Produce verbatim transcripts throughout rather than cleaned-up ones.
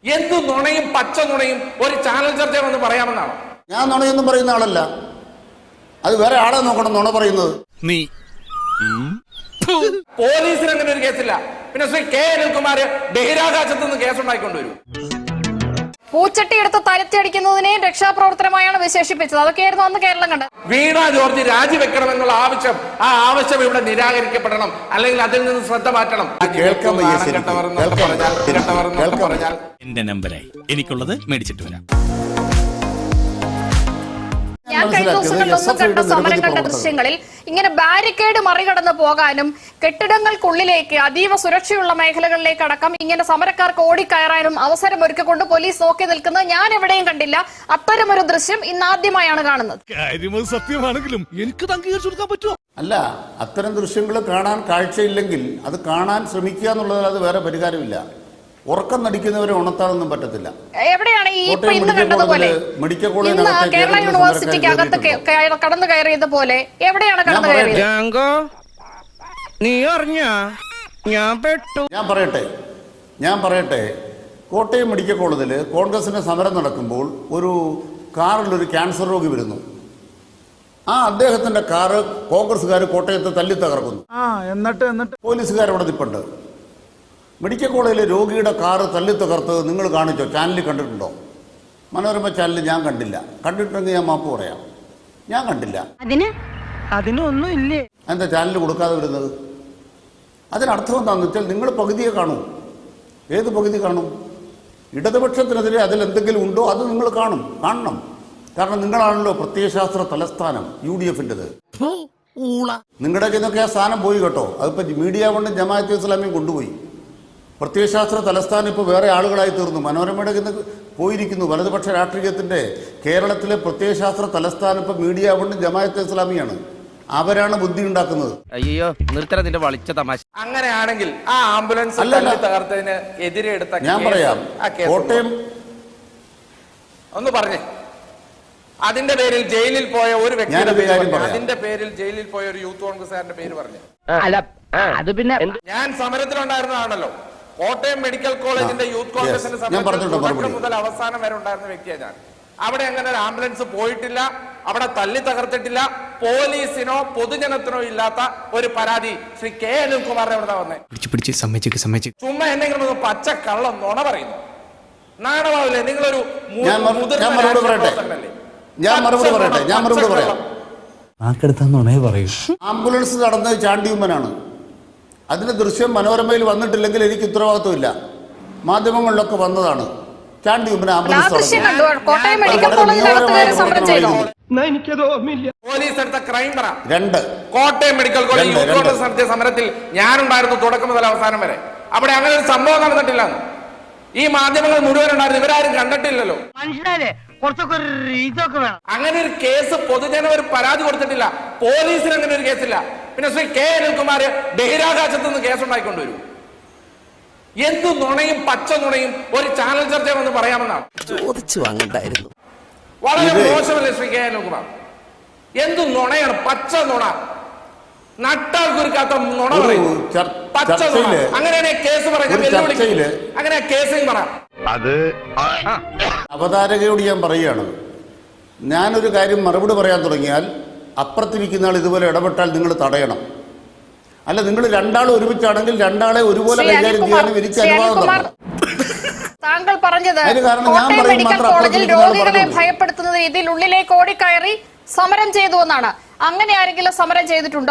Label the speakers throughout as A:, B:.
A: എന്ത് നുണയും പച്ച നുണയും ഒരു ചാനൽ ചർച്ച വന്ന് പറയാമെന്നാണ്.
B: ഞാൻ നുണയൊന്നും പറയുന്ന ആളല്ല, അത് വേറെ ആളെ നോക്കണം നുണ പറയുന്നത്.
C: നീ
A: പോലീസിന് അങ്ങനെ ഒരു കേസില്ല. പിന്നെ ശ്രീ കെ അനിൽകുമാർ ബഹിരാകാശത്ത് നിന്ന് കേസുണ്ടായിക്കൊണ്ടുവരും.
D: പൂച്ചട്ടി എടുത്ത് തലത്തിയടിക്കുന്നതിനെയും രക്ഷാപ്രവർത്തനമായാണ് വിശേഷിപ്പിച്ചത്. അതൊക്കെയായിരുന്നു അന്ന് കേരളം കണ്ടത്.
A: വീണ ജോർജ് രാജിവെക്കണമെന്നുള്ള ആവശ്യം, ആ ആവശ്യം ഇവിടെ നിരാകരിക്കപ്പെടണം, അല്ലെങ്കിൽ അതിൽ നിന്ന് ശ്രദ്ധ മാറ്റണം.
C: എന്റെ നമ്പരായി എനിക്കുള്ളത് മേടിച്ചിട്ട് വരാം.
D: ഞാൻ കഴിഞ്ഞ ദിവസങ്ങളിലൊന്നും കണ്ട സമരം കണ്ട ദൃശ്യങ്ങളിൽ ഇങ്ങനെ ബാരിക്കേഡ് മറികടന്ന് പോകാനും കെട്ടിടങ്ങൾക്കുള്ളിലേക്ക് അതീവ സുരക്ഷയുള്ള മേഖലകളിലേക്ക് അടക്കം ഇങ്ങനെ സമരക്കാർക്ക് ഓടിക്കയറാനും അവസരം ഒരുക്കിക്കൊണ്ട് പോലീസ് നോക്കി നിൽക്കുന്നത് ഞാൻ എവിടെയും കണ്ടില്ല. അത്തരമൊരു ദൃശ്യം ഇന്നാദ്യമായാണ് കാണുന്നത്.
C: സത്യമാണെങ്കിലും എനിക്ക് അംഗീകരിച്ചു കൊടുക്കാൻ പറ്റുമോ?
B: അല്ല, അത്തരം ദൃശ്യങ്ങൾ കാണാൻ കാഴ്ചയില്ലെങ്കിൽ അത് കാണാൻ ശ്രമിക്കുക എന്നുള്ളതല്ലാതെ വേറെ പരിഹാരമില്ല. ഉറക്കം നടിക്കുന്നവരെ ഉണർത്താനൊന്നും പറ്റത്തില്ല.
D: എവിടെയാണ് ഈ ഇപ്പൊ ഇന്ന് കണ്ടതുപോലെ ഇന്ന് കേരള യൂണിവേഴ്സിറ്റിക്ക് അകത്ത് കടന്നു കയറിയതുപോലെ എവിടെയാണ് കടന്നു കയറിയത്?
E: നീ അറിഞ്ഞ ഞാൻ പെട്ടു.
B: ഞാൻ പറയട്ടെ ഞാൻ പറയട്ടെ കോട്ടയം മെഡിക്കൽ കോളേജിൽ കോൺഗ്രസിന്റെ സമരം നടക്കുമ്പോൾ ഒരു കാറിലൊരു ക്യാൻസർ രോഗി വരുന്നു. ആ അദ്ദേഹത്തിന്റെ കാറ് കോൺഗ്രസ്സുകാർ കോട്ടയത്ത് തല്ലി തകർക്കുന്നു.
E: എന്നിട്ട് എന്നിട്ട്
B: പോലീസുകാരവിടെ നിൽപ്പുണ്ട്. മെഡിക്കൽ കോളേജിലെ രോഗിയുടെ കാറ് തല്ലി തകർത്ത് നിങ്ങൾ കാണിച്ചോ? ചാനലിൽ കണ്ടിട്ടുണ്ടോ? മനോരമ ചാനലിൽ ഞാൻ കണ്ടില്ല. കണ്ടിട്ടുണ്ടെങ്കിൽ ഞാൻ മാപ്പ് പറയാം, ഞാൻ കണ്ടില്ല.
F: അതിന് അതിനൊന്നും ഇല്ലേ?
B: എന്താ ചാനൽ കൊടുക്കാതെ വരുന്നത്? അതിനർത്ഥം എന്താണെന്ന് വെച്ചാൽ നിങ്ങൾ പകുതിയെ കാണൂ. ഏത് പകുതി കാണും? ഇടതുപക്ഷത്തിനെതിരെ അതിലെന്തെങ്കിലും ഉണ്ടോ അത് നിങ്ങൾ കാണും, കാണണം. കാരണം നിങ്ങളാണല്ലോ പ്രത്യയശാസ്ത്ര തലസ്ഥാനം യു ഡി എഫിൻ്റെത്. നിങ്ങളുടെ ഇന്നൊക്കെ ആ സ്ഥാനം പോയി കേട്ടോ. അതിപ്പോൾ മീഡിയ കൊണ്ട് ജമാഅത്തെ ഇസ്ലാമിയും കൊണ്ടുപോയി. പ്രത്യയശാസ്ത്ര തലസ്ഥാനം ഇപ്പോൾ വേറെ ആളുകളായി തീർന്നു. മനോരമയുടെ ഇന്ന് പോയിരിക്കുന്നു. വലതുപക്ഷ രാഷ്ട്രീയത്തിൻ്റെ കേരളത്തിലെ പ്രത്യയശാസ്ത്ര തലസ്ഥാനം ഇപ്പോൾ മീഡിയ കൊണ്ട് ജമാഅത്തെ ഇസ്ലാമിയാണ്. അവരാണ് ബുദ്ധി ഉണ്ടാക്കുന്നത്.
E: അയ്യോ നിർത്തറ നിന്റെ വളിച്ച തമാശ.
A: അങ്ങനെയാണെങ്കിൽ ആ ആംബുലൻസ് തകർത്തതിന് എതിരെ എടുത്ത
B: ഞാൻ പറയാം, കോട്ടയം
A: ഒന്ന് പറഞ്ഞേ. അതിന്റെ പേരിൽ ജയിലിൽ പോയ ഒരു വ്യക്തിയുടെ പേര്, അതിന്റെ പേരിൽ ജയിലിൽ പോയ ഒരു യൂത്ത് കോൺഗ്രസ്സുകാരന്റെ പേര് പറഞ്ഞു.
E: അല്ല അത് പിന്നെ
A: ഞാൻ സമരത്തിലുണ്ടായിരുന്നതാണല്ലോ. കോട്ടയം മെഡിക്കൽ കോളേജിന്റെ യൂത്ത് കോൺഗ്രസിന്റെ സമരത്തിൽ മുതൽ അവസാനം വരെ ഉണ്ടായിരുന്ന വ്യക്തിയാണ് ഞാൻ. അവിടെ അങ്ങനെ ഒരു ആംബുലൻസ് പോയിട്ടില്ല, അവിടെ തല്ലി തകർത്തിട്ടില്ല. പോലീസിനോ പൊതുജനത്തിനോ ഇല്ലാത്ത ഒരു പരാതി ശ്രീ കെ അനിൽകുമാറിനെ എവിടെ വന്നേ? ചുമ്മാ എന്തെങ്കിലും ഒന്ന് പച്ച കള്ളം നുണ പറയുന്നു. നാണമാവില്ലേ? നിങ്ങളൊരു
B: ഞാൻ മറുപടി പറയട്ടെ ഞാൻ മറുപടി പറയട്ടെ ഞാൻ മറുപടി പറയാം. ആംബുലൻസ് നടന്നത് ചാണ്ടിയുമ്മനാണ്. അതിന്റെ ദൃശ്യം മനോരമയിൽ വന്നിട്ടില്ലെങ്കിൽ എനിക്ക് ഉത്തരവാദിത്വമില്ല. മാധ്യമങ്ങളിലൊക്കെ വന്നതാണ്. ചാണ്ടിയുമ്മൻ ആംബുലൻസ്
A: പോലീസ് എടുത്ത ക്രൈം പറ.
B: രണ്ട്
A: Kottayam medical college youth Congress നടത്തിയ സമരത്തിൽ ഞാനുണ്ടായിരുന്നു തുടക്കം മുതൽ അവസാനം വരെ. അവിടെ അങ്ങനെ ഒരു സംഭവം നടന്നിട്ടില്ല. ഈ മാധ്യമങ്ങൾ മുഴുവൻ ഉണ്ടായിരുന്നു, ഇവരാരും കണ്ടിട്ടില്ലല്ലോ. അങ്ങനെ ഒരു കേസ് പൊതുജനം ഒരു പരാതി കൊടുത്തിട്ടില്ല. പോലീസിന് അങ്ങനെ ഒരു കേസില്ല. പിന്നെ ശ്രീ കെ അനിൽകുമാർ ബഹിരാകാശത്ത് നിന്ന് കേസുണ്ടായിക്കൊണ്ടുവരും. എന്ത് നുണയും പച്ച നുണയും ഒരു ചാനൽ ചർച്ച വന്ന് പറയാമെന്നാണ്.
E: ചോദിച്ചു വാങ്ങണ്ടായിരുന്നു.
A: വളരെ മോശമല്ലേ ശ്രീ കെ അനിൽകുമാർ? എന്ത് നുണയാണ്? പച്ച നുണ, നട്ടാൽ കുരുക്കാത്ത നുണ പറയുന്നു. പച്ച നുണ. അങ്ങനെയാണ് കേസ് പറയുന്നത്. അങ്ങനെ കേസ് പറ.
B: അത് അവതാരകയോട് ഞാൻ പറയുകയാണ്, ഞാനൊരു കാര്യം മറുപടി പറയാൻ തുടങ്ങിയാൽ അപ്പുറത്തിരിക്കുന്ന ആൾ ഇതുപോലെ ഇടപെട്ടാൽ നിങ്ങൾ തടയണം. അല്ല, നിങ്ങൾ രണ്ടാളും ഒരുമിച്ചാണെങ്കിൽ രണ്ടാളെ ഒരുപോലെ കൈകാര്യം ചെയ്യാനും എനിക്ക് അനുവാദം തരണം.
D: താങ്കൾ പറഞ്ഞത് കോട്ടയം മെഡിക്കൽ കോളേജിൽ രോഗികളെ ഭയപ്പെടുത്തുന്ന രീതിയിൽ ഉള്ളിലേക്ക് ഓടിക്കയറി സമരം ചെയ്തു എന്നാണ്. അങ്ങനെ ആരെങ്കിലും സമരം ചെയ്തിട്ടുണ്ടോ?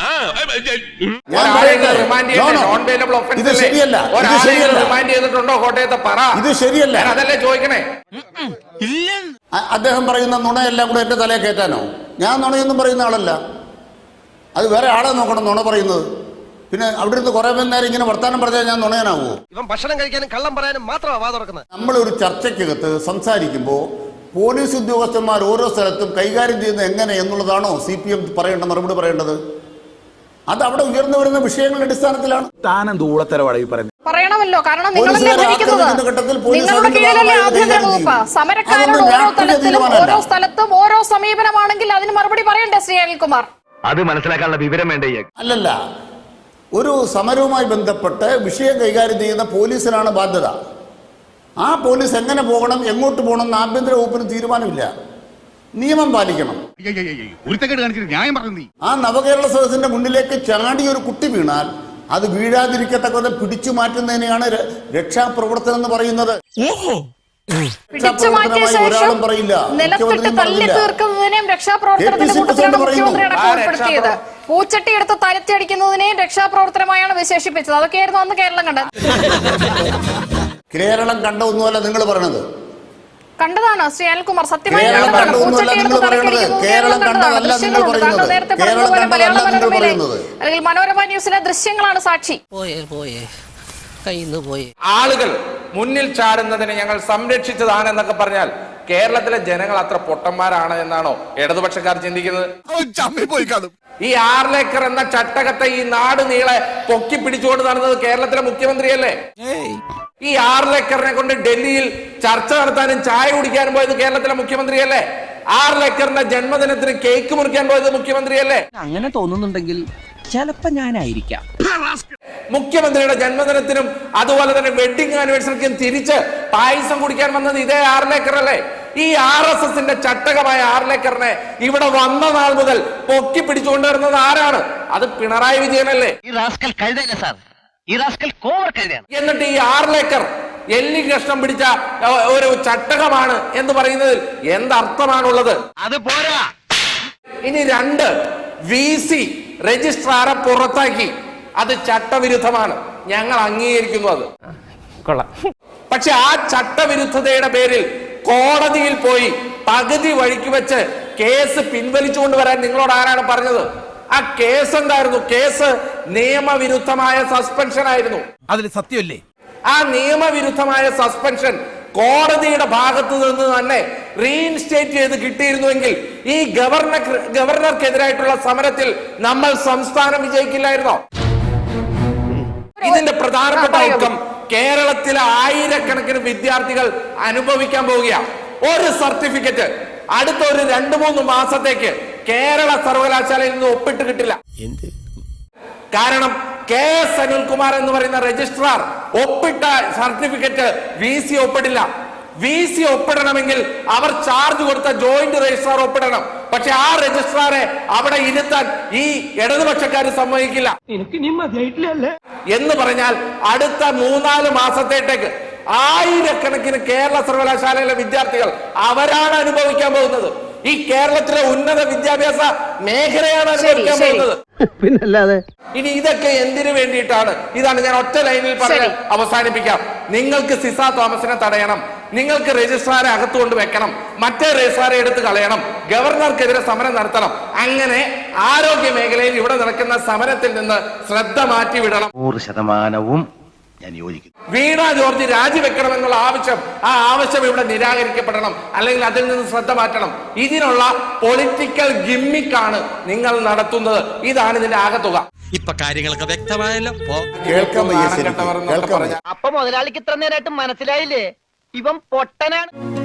B: ഇത് ശരിയല്ല,
A: കോട്ടയത്തെ പറ.
B: ഇത് ശരിയല്ല,
A: അതല്ലേ ചോദിക്കണേ.
B: അദ്ദേഹം പറയുന്ന നുണയെല്ലാം കൂടെ എന്റെ തലയെ കയറ്റാനോ? ഞാൻ നുണയൊന്നും പറയുന്ന ആളല്ല, അത് വേറെ ആളെ നോക്കണം നുണ പറയുന്നത്. പിന്നെ അവിടെ നിന്ന് കുറെ നേരം ഇങ്ങനെ വർത്താനം പറഞ്ഞാൽ ഞാൻ നുണയനാവുമോ?
E: ഇവൻ ഭക്ഷണം കഴിക്കാനും കള്ളം പറയാനും മാത്രമാണ് വാ തുറക്കുന്നത്.
B: നമ്മളൊരു ചർച്ചയ്ക്കകത്ത് സംസാരിക്കുമ്പോൾ പോലീസ് ഉദ്യോഗസ്ഥന്മാർ ഓരോ സ്ഥലത്തും കൈകാര്യം ചെയ്യുന്നത് എങ്ങനെ എന്നുള്ളതാണോ സി പി എം പറയേണ്ട മറുപടി പറയേണ്ടത്? അത് അവിടെ ഉയർന്നു വരുന്ന വിഷയങ്ങളുടെ അടിസ്ഥാനത്തിലാണ്.
D: പറയണമല്ലോ, കാരണം നിങ്ങളുടെ കീഴിലല്ലേ ആഭ്യന്തര വകുപ്പ്. സമരക്കാരോട് ഓരോ തലത്തിലും ഓരോ സ്ഥലത്തും ഓരോ സമീപനമാണെങ്കിൽ അതിന് മറുപടി പറയണ്ടേ ശ്രീ അനിൽകുമാർ?
G: അത് മനസ്സിലാക്കാനുള്ള വിവരം വേണ്ടേ?
B: അല്ലല്ല, ഒരു സമരവുമായി ബന്ധപ്പെട്ട് വിഷയം കൈകാര്യം ചെയ്യുന്ന പോലീസിനാണ് ബാധ്യത. ആ പോലീസ് എങ്ങനെ പോകണം, എങ്ങോട്ട് പോകണം എന്ന് ആഭ്യന്തര വകുപ്പിന് തീരുമാനമില്ല. നിയമം പാലിക്കണം. ആ നവകേരള സദസ്സിന്റെ മുന്നിലേക്ക് ചാടി ഒരു കുട്ടി വീണാൽ അത് വീഴാതിരിക്കത്തക്കത് പിടിച്ചു മാറ്റുന്നതിനെയാണ് രക്ഷാപ്രവർത്തനം എന്ന് പറയുന്നത്.
D: പിടിച്ചു മാറ്റിയ ശേഷം നിലത്തിട്ട് തല്ലി തീർക്കുന്നതിനെയും രക്ഷാപ്രവർത്തനത്തിന്റെ കൂട്ടത്തിലാണ് മുഖ്യമന്ത്രി അടക്കം ഉൾപ്പെടുത്തിയത്. പൂച്ചട്ടി എടുത്ത് തലത്തിയടിക്കുന്നതിനെയും രക്ഷാപ്രവർത്തനമായാണ് വിശേഷിപ്പിച്ചത്. അതൊക്കെയായിരുന്നു അന്ന് കേരളം കണ്ടത്.
B: കേരളം കണ്ട ഒന്നുമല്ല നിങ്ങൾ പറയണത്.
D: കണ്ടതാണ് ശ്രീ അനിൽകുമാർ, സത്യമായി
B: കേരളം
D: കണ്ടതാണ്.
B: കണ്ട ഒന്നുമല്ല
D: പൂച്ചട്ടി
B: നിങ്ങൾ
D: എടുത്ത്
B: പറയുന്നത്.
D: തലക്കടിക്കുന്നത്
B: കേരളം കണ്ടതല്ല നിങ്ങൾ പറയുന്നത്.
D: നേരത്തെ
B: കേരളം
D: പറഞ്ഞതുപോലെ മലയാള
B: കണ്ടതല്ല നിങ്ങൾ
D: മനോരമയിലെ
B: പറയുന്നത്.
D: അല്ലെങ്കിൽ മനോരമ ന്യൂസിലെ ദൃശ്യങ്ങളാണ് സാക്ഷി.
E: പോയേ പോയേ കയ്യിന്ന് പോയേ.
A: ആളുകൾ മുന്നിൽ ചാടുന്നതിനെ ഞങ്ങൾ സംരക്ഷിച്ചതാണ് എന്നൊക്കെ പറഞ്ഞാൽ കേരളത്തിലെ ജനങ്ങൾ അത്ര പൊട്ടന്മാരാണ് എന്നാണോ ഇടതുപക്ഷക്കാർ ചിന്തിക്കുന്നത്? ഈ ആർലേക്കർ എന്ന ചട്ടകത്തെ ഈ നാട് നീളെ പൊക്കി പിടിച്ചുകൊണ്ട് നടന്നത് കേരളത്തിലെ മുഖ്യമന്ത്രിയല്ലേ? ഈ ആർലേക്കറിനെ കൊണ്ട് ഡൽഹിയിൽ ചർച്ച നടത്താനും ചായ കുടിക്കാനും പോയത് കേരളത്തിലെ മുഖ്യമന്ത്രിയല്ലേ? ആർലേക്കറിന്റെ ജന്മദിനത്തിന് കേക്ക് മുറിക്കാൻ പോയത് മുഖ്യമന്ത്രിയല്ലേ?
F: അങ്ങനെ തോന്നുന്നുണ്ടെങ്കിൽ ചിലപ്പോ ഞാനായിരിക്കാം.
A: മുഖ്യമന്ത്രിയുടെ ജന്മദിനത്തിനും അതുപോലെ തന്നെ വെഡിങ് ആനിവേഴ്സറിക്കും തിരിച്ച് പായസം കുടിക്കാൻ വന്നത് ഇതേ ആർലേക്കർ അല്ലേ? ഈ ആർ എസ് എസിന്റെ ചട്ടകമായ ആർലേക്കറിനെ ഇവിടെ വന്ന നാൾ മുതൽ പൊക്കി പിടിച്ചുകൊണ്ടുവരുന്നത് ആരാണ്? അത് പിണറായി വിജയനല്ലേ?
E: ഈ റാസ്കൽ കഴുതയല്ല സാർ, ഈ റാസ്കൽ കോവർ കഴുതയാണ്.
A: എന്നിട്ട് ഈ ആർലേക്കർ എല്ലി കഷ്ണം പിടിച്ച ഒരു ചട്ടകമാണ് എന്ന് പറയുന്നതിൽ എന്തർത്ഥമാണുള്ളത്?
E: അത് പോരാ.
A: ഇനി രണ്ട്, വി സി രജിസ്ട്രാറെ പുറത്താക്കി. അത് ചട്ടവിരുദ്ധമാണ്, ഞങ്ങൾ അംഗീകരിക്കുന്നു അത്. പക്ഷെ ആ ചട്ടവിരുദ്ധതയുടെ പേരിൽ കോടതിയിൽ പോയി പകുതി വഴിക്ക് വെച്ച് കേസ് പിൻവലിച്ചുകൊണ്ട് വരാൻ നിങ്ങളോട് ആരാണ് പറഞ്ഞത്? ആ കേസ് എന്തായിരുന്നു? കേസ് നിയമവിരുദ്ധമായ സസ്പെൻഷൻ ആയിരുന്നു.
C: അതിൽ സത്യമല്ലേ?
A: ആ നിയമവിരുദ്ധമായ സസ്പെൻഷൻ കോടതിയുടെ ഭാഗത്തു നിന്ന് തന്നെ റീഇൻസ്റ്റേറ്റ് ചെയ്ത് കിട്ടിയിരുന്നുവെങ്കിൽ ഈ ഗവർണർ ഗവർണർക്കെതിരായിട്ടുള്ള സമരത്തിൽ നമ്മൾ സംസ്ഥാനം വിജയിക്കില്ലായിരുന്നോ? ഇതിന്റെ പ്രധാനപ്പെട്ട ഔട്ട്കം കേരളത്തിലെ ആയിരക്കണക്കിന് വിദ്യാർത്ഥികൾ അനുഭവിക്കാൻ പോവുകയാണ്. ഒരു സർട്ടിഫിക്കറ്റ് അടുത്ത ഒരു രണ്ടു മൂന്ന് മാസത്തേക്ക് കേരള സർവകലാശാലയിൽ നിന്ന് ഒപ്പിട്ട് കിട്ടില്ല. കാരണം കെ എസ് അനിൽകുമാർ എന്ന് പറയുന്ന രജിസ്ട്രാർ ഒപ്പിട്ട സർട്ടിഫിക്കറ്റ് വി സി ഒപ്പിടില്ല. വി സി ഒപ്പിടണമെങ്കിൽ അവർ ചാർജ് കൊടുത്ത ജോയിന്റ് രജിസ്ട്രാർ ഒപ്പിടണം. പക്ഷെ ആ രജിസ്ട്രാറെ അവിടെ ഇരുത്താൻ ഈ ഇടതുപക്ഷക്കാർ സമ്മതിക്കില്ല. എന്ന് പറഞ്ഞാൽ അടുത്ത മൂന്നാല് മാസത്തേക്ക് ആയിരക്കണക്കിന് കേരള സർവകലാശാലയിലെ വിദ്യാർത്ഥികൾ അവരാണ് അനുഭവിക്കാൻ പോകുന്നത്. ഈ കേരളത്തിലെ ഉന്നത വിദ്യാഭ്യാസ മേഖലയാണ് അനുഭവിക്കാൻ പോകുന്നത്.
F: പിന്നല്ലാതെ
A: ഇനി ഇതൊക്കെ എന്തിനു വേണ്ടിയിട്ടാണ്? ഇതാണ് ഞാൻ ഒറ്റ ലൈനിൽ പറഞ്ഞ് അവസാനിപ്പിക്കാം. നിങ്ങൾക്ക് സിസ തോമസിനെ തടയണം, നിങ്ങൾക്ക് രജിസ്ട്രാറെ അകത്തുകൊണ്ട് വെക്കണം, മറ്റേ രജിസ്ട്രാറെ എടുത്ത് കളയണം, ഗവർണർക്കെതിരെ സമരം നടത്തണം. അങ്ങനെ ആരോഗ്യ മേഖലയിൽ ഇവിടെ നടക്കുന്ന സമരത്തിൽ നിന്ന് ശ്രദ്ധ മാറ്റി വിടണം.
G: നൂറ് ശതമാനവും ഞാൻ യോജിക്കുന്നു.
A: വീണ ജോർജ് രാജിവെക്കണമെന്നുള്ള ആവശ്യം, ആ ആവശ്യം ഇവിടെ നിരാകരിക്കപ്പെടണം, അല്ലെങ്കിൽ അതിൽ നിന്ന് ശ്രദ്ധ മാറ്റണം. ഇതിനുള്ള പൊളിറ്റിക്കൽ ഗിമ്മിക്കാണ് നിങ്ങൾ നടത്തുന്നത്. ഇതാണ് ഇതിന്റെ ആകത്തുക.
C: ഇപ്പൊ കാര്യങ്ങളൊക്കെ വ്യക്തമായല്ലോ.
B: കേൾക്കാൻ വയ്യ ശരിക്കും. കേൾക്കാൻ വയ്യ.
E: അപ്പൊ മുതലാളിക്ക് ഇത്ര നേരമായിട്ട് മനസ്സിലായില്ലേ ഇവൻ പൊട്ടനാണ്?